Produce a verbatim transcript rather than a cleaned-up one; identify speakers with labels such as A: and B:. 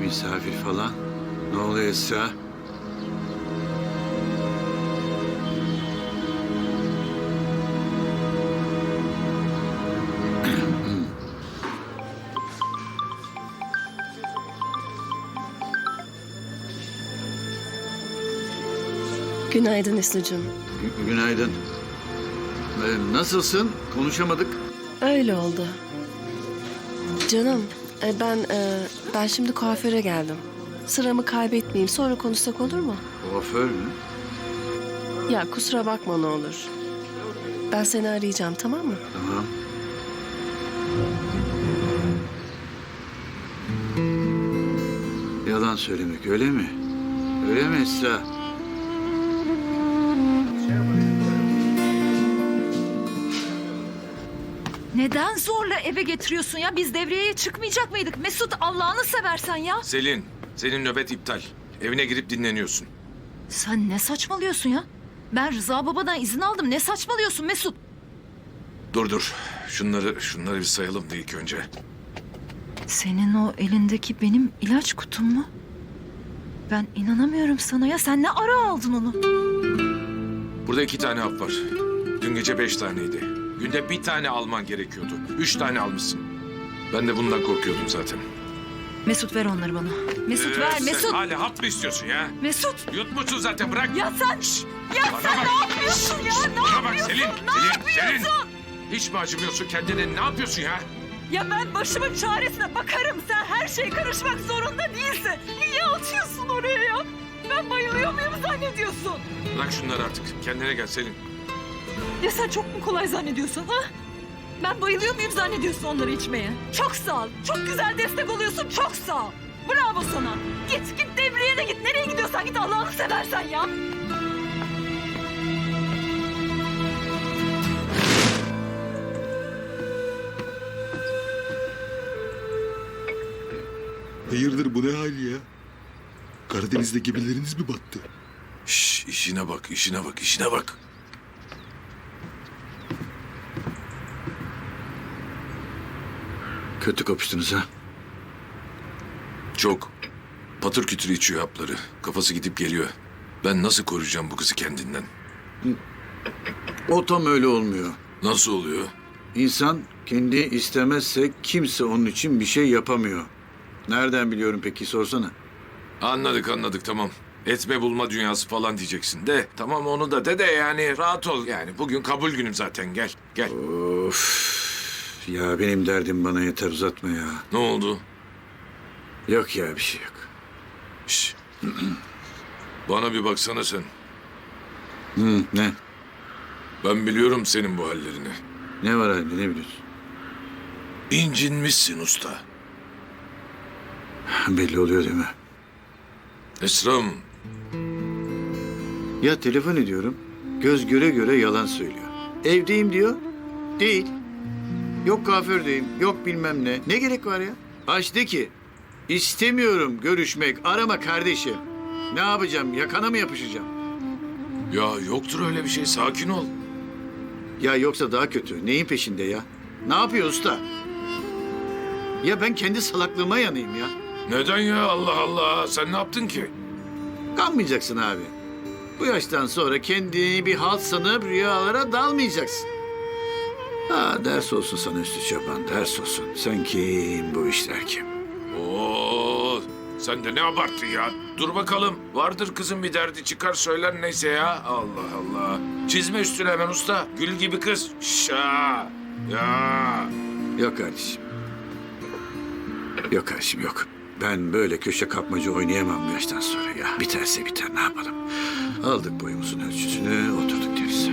A: misafir falan. Ne oluyor Esra?
B: Günaydın Esu'cum.
A: Gü- Günaydın. Ee, nasılsın? Konuşamadık.
B: Öyle oldu. Canım, e, ben e, ben şimdi kuaföre geldim. Sıramı kaybetmeyeyim. Sonra konuşsak olur mu?
A: Kuaför mü?
B: Ya kusura bakma ne olur. Ben seni arayacağım, tamam mı?
A: Tamam. Yalan söylemek öyle mi? Öyle mi Esra?
C: Neden zorla eve getiriyorsun ya? Biz devriyeye çıkmayacak mıydık? Mesut, Allah'ını seversen ya.
D: Selin, senin nöbet iptal. Evine girip dinleniyorsun.
C: Sen ne saçmalıyorsun ya? Ben Rıza babadan izin aldım. Ne saçmalıyorsun Mesut?
D: Dur dur. Şunları, şunları bir sayalım da ilk önce.
C: Senin o elindeki benim ilaç kutum mu? Ben inanamıyorum sana ya. Sen ne ara aldın onu?
D: Burada iki tane hap var. Dün gece beş taneydi. Günde bir tane alman gerekiyordu. Üç tane almışsın. Ben de bundan korkuyordum zaten.
C: Mesut ver onları bana. Mesut
D: Ee,
C: ver
D: sen
C: Mesut.
D: hala hap mı istiyorsun ya?
C: Mesut.
D: Yutmuşsun zaten, bırak.
C: Ya sen. Ya
D: Bana
C: sen
D: bak.
C: ne yapıyorsun ya? Ne
D: Bana bak
C: yapıyorsun?
D: Selin,
C: Ne
D: Selin,
C: yapıyorsun?
D: Selin. Hiç mi acımıyorsun kendine? Ne yapıyorsun ya?
C: Ya ben başımın çaresine bakarım. Sen her şeye karışmak zorunda değilsin. Niye atıyorsun oraya ya? Ben bayılıyor muyum zannediyorsun?
D: Bırak şunları artık. Kendine gel Selin.
C: Ya sen çok mu kolay zannediyorsun ha? Ben bayılıyor muyum zannediyorsun onları içmeye? Çok sağ ol. Çok güzel destek oluyorsun. Çok sağ ol. Bravo sana. Git git devreye de git. Nereye gidiyorsan git Allah'ını seversen ya.
E: Hayırdır bu ne hal ya? Karadeniz'de gemileriniz mi battı?
D: Şş, işine bak, işine bak, işine bak.
A: Kötü kapıştınız ha?
D: Çok. Patır kütür içiyor hapları. Kafası gidip geliyor. Ben nasıl koruyacağım bu kızı kendinden?
A: O tam öyle olmuyor.
D: Nasıl oluyor?
A: İnsan kendi istemezse kimse onun için bir şey yapamıyor. Nereden biliyorum peki, sorsana.
D: Anladık anladık, tamam. Etme bulma dünyası falan diyeceksin de. Tamam onu da de de yani rahat ol yani. Bugün kabul günüm zaten, gel gel.
A: Of. Ya benim derdim bana yeter, uzatma ya.
D: Ne oldu?
A: Yok ya, bir şey yok.
D: Şş. Bana bir baksana sen.
A: Hı, ne?
D: Ben biliyorum senin bu hallerini.
A: Ne var halinde, ne biliyorsun?
D: İncinmişsin usta.
A: Belli oluyor değil mi?
D: Esra'm,
A: Ya telefon ediyorum, göz göre göre yalan söylüyor. Evdeyim diyor, değil. Yok kuafördeyim, yok bilmem ne. Ne gerek var ya? Aç de ki, istemiyorum görüşmek, arama kardeşim. Ne yapacağım, yakana mı yapışacağım?
D: ya yoktur öyle bir şey, sakin ol.
A: Ya yoksa daha kötü, neyin peşinde ya? Ne yapıyor usta? Ya ben kendi salaklığıma yanayım ya.
D: Neden ya, Allah Allah, sen ne yaptın ki?
A: Kanmayacaksın abi. Bu yaştan sonra kendini bir halt sanıp rüyalara dalmayacaksın. Ha, ders olsun sana üstü çoban, ders olsun. Sen kim, bu işler kim?
D: Oo, sen de ne abarttın ya? Dur bakalım. Vardır kızın bir derdi, çıkar söyler neyse ya. Allah Allah. Çizme üstüne hemen usta. Gül gibi kız. Şa. Ya.
A: Yok kardeşim. Yok kardeşim, yok. Ben böyle köşe kapmaca oynayamam bu yaştan sonra ya. Biterse biter, ne yapalım? Aldık boyumuzun ölçüsünü, oturduk deriz.